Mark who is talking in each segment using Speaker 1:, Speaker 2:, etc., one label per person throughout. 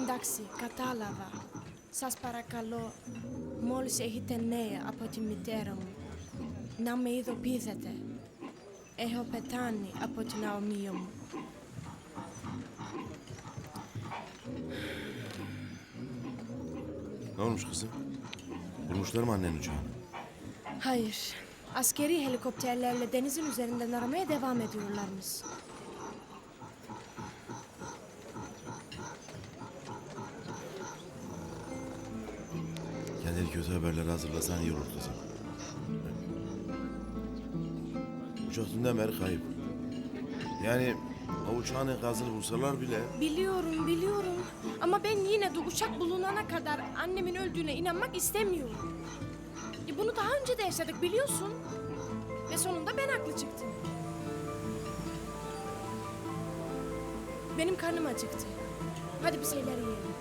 Speaker 1: Εντάξει, κατάλαβα. Σας παρακαλώ, μόλις έχετε νέα από τη μητέρα μου, να με ειδοποιήσετε. Έχω πεθάνει από την αομία μου.
Speaker 2: Ne olmuş kızım? Bulmuşlar mı annenin uçağını?
Speaker 1: Hayır, askeri helikopterlerle denizin üzerinden aramaya devam ediyorlarmış.
Speaker 2: Kendini kötü haberleri hazırlasan iyi olur kızım. Uçak dünden beri kayıp. Yani o uçağın enkazını bulsalar bile...
Speaker 1: Biliyorum. Ama ben yine de uçak bulunana kadar annemin öldüğüne inanmak istemiyorum. Bunu daha önce de yaşadık biliyorsun. Ve sonunda ben haklı çıktım. Benim karnım acıktı. Hadi bir şeyler yiyelim.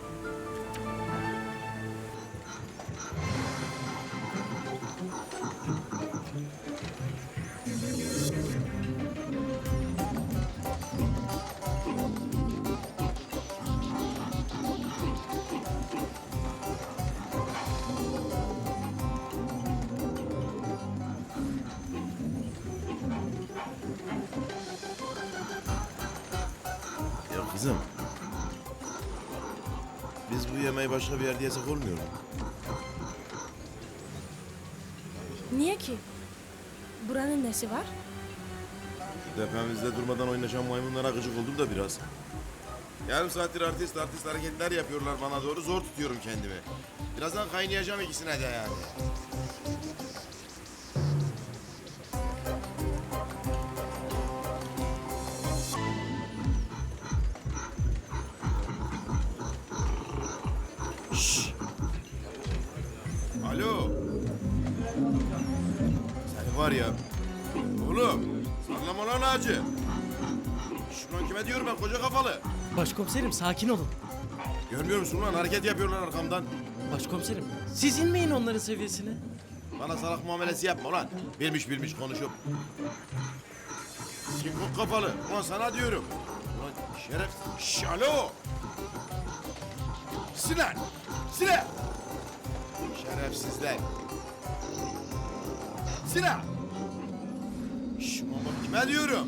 Speaker 2: Ya kızım... Biz bu yemeği başka bir yerde yesek olmuyor mu?
Speaker 1: Niye ki? Buranın nesi var?
Speaker 2: Şu tepemizde durmadan oynaşan maymunlara gıcık oldum da biraz. Yarım saattir artist hareketler yapıyorlar bana doğru. Zor tutuyorum kendimi. Birazdan kaynayacağım ikisine de yani. Şşş! Alo! Seni var ya... Oğlum! Sallama lan ağacı! Şulan kime diyorum ben koca kafalı?
Speaker 3: Başkomiserim sakin olun.
Speaker 2: Görmüyor musun lan hareket yapıyorlar arkamdan.
Speaker 3: Başkomiserim siz inmeyin onların seviyesine.
Speaker 2: Bana salak muamelesi yapma lan. Bilmiş konuşup. Sinkok kafalı. Ulan sana diyorum. Ulan şeref... Şş, alo! Sinan! Sinan! Şerefsizler. Sinan! Şş, baba kime diyorum?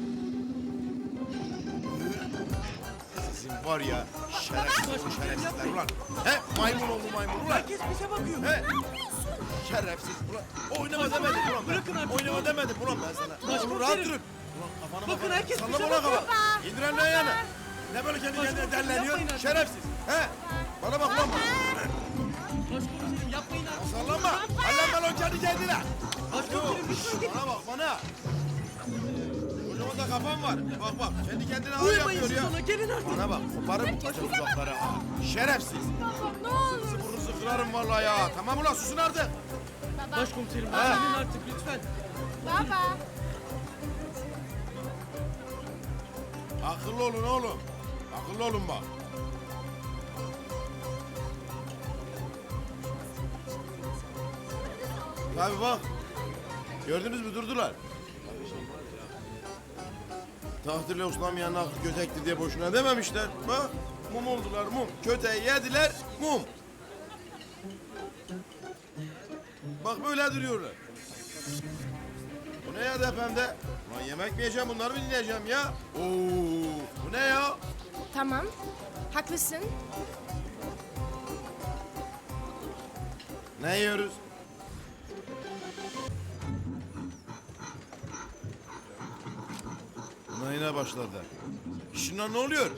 Speaker 2: Sizin var ya şerefsizler ulan. He maymun oldu maymun ulan.
Speaker 3: Herkes bize bakıyor.
Speaker 2: He? Şerefsiz ulan. Oynama demedim ulan ben.
Speaker 3: Bırakın artık.
Speaker 2: Oynama demedim ulan ben sana.
Speaker 3: Başkomiserim.
Speaker 2: Oğlum rahat durun. Ulan kafanı
Speaker 3: Bakın
Speaker 2: bakın.
Speaker 3: herkes
Speaker 2: Sallama
Speaker 3: bize
Speaker 2: ulan
Speaker 3: bakıyor.
Speaker 2: kafa. İndiren lan yana. Ne böyle kendi kendine
Speaker 3: Başkomiserim,
Speaker 2: derleniyor?
Speaker 3: yapmayın artık.
Speaker 2: Şerefsiz. He? Bana bak lan.
Speaker 3: Başkomiserim yapmayın artık.
Speaker 2: Sallanma. Hallenme lan kendi kendine.
Speaker 3: Başkomiserim lütfen.
Speaker 2: Bana bak bana. Kocaman da kafam var. Bak kendi kendine ağır
Speaker 3: Uyumayın
Speaker 2: yapıyor
Speaker 3: siz
Speaker 2: ya.
Speaker 3: ona gelin artık.
Speaker 2: Bana bak koparım bu bacak uzakları ha. Şerefsiz.
Speaker 1: Ne olur.
Speaker 2: Burnunuzu kırarım vallahi ya. Tamam ulan susun artık.
Speaker 3: Başkomiserim
Speaker 2: Ha.
Speaker 3: gelin artık lütfen.
Speaker 1: Baba.
Speaker 2: Akıllı olun oğlum. Akıllı olun bak. Tabii bak. Gördünüz mü durdular. Takdirle uslanmayan aklı kötektir diye boşuna dememişler. Bak mum oldular mum. Köteği yediler mum. Bak böyle duruyorlar. Bu ne ya tepemde? Lan yemek mi yiyeceğim bunları mı dinleyeceğim ya? Oo, bu ne ya?
Speaker 1: Tamam, haklısın.
Speaker 2: Ne yiyoruz? Buna yine başladı. Şunlar ne oluyor?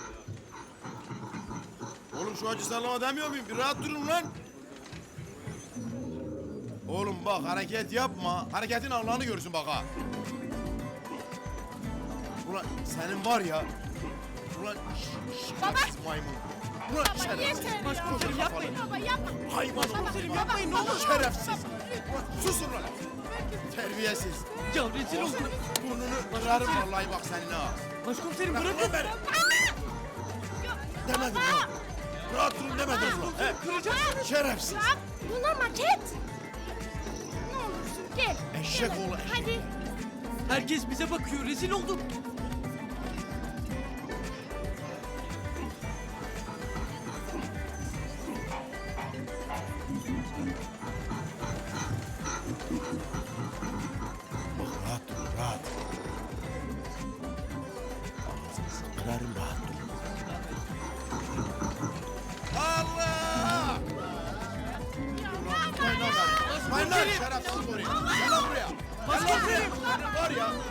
Speaker 2: Oğlum şu acı sallama demiyor muyum? Bir rahat durun lan. Oğlum bak hareket yapma. Hareketin Allah'ını görsün bak ha. Ulan senin var ya. Ulan şerefsiz maymun. Ulan şerefsiz.
Speaker 1: yeter ya.
Speaker 3: Başkomiserim yapmayın.
Speaker 1: Baba yapma.
Speaker 2: Hayvan oğlum.
Speaker 3: Başkomiserim yapmayın ne olur.
Speaker 2: Şerefsiz. Ulan susun lan. Terbiyesiz.
Speaker 3: Ya rezil oldum.
Speaker 2: Burnunu kırarım vallahi bak senin ha.
Speaker 3: Başkomiserim
Speaker 2: Bırak
Speaker 3: bırakın.
Speaker 2: lan beni. Demedim lan. Rahat durun demedim lan. He?
Speaker 3: Kıracaksınız.
Speaker 2: Şerefsiz.
Speaker 1: Bak, bunlar maket. Ne olursun gel.
Speaker 2: Eşek oğlu eşek.
Speaker 1: Hadi.
Speaker 3: Herkes bize bakıyor rezil oldum.
Speaker 2: şerefsiz buraya. Gel lan buraya. Gel lan buraya. Senin var ya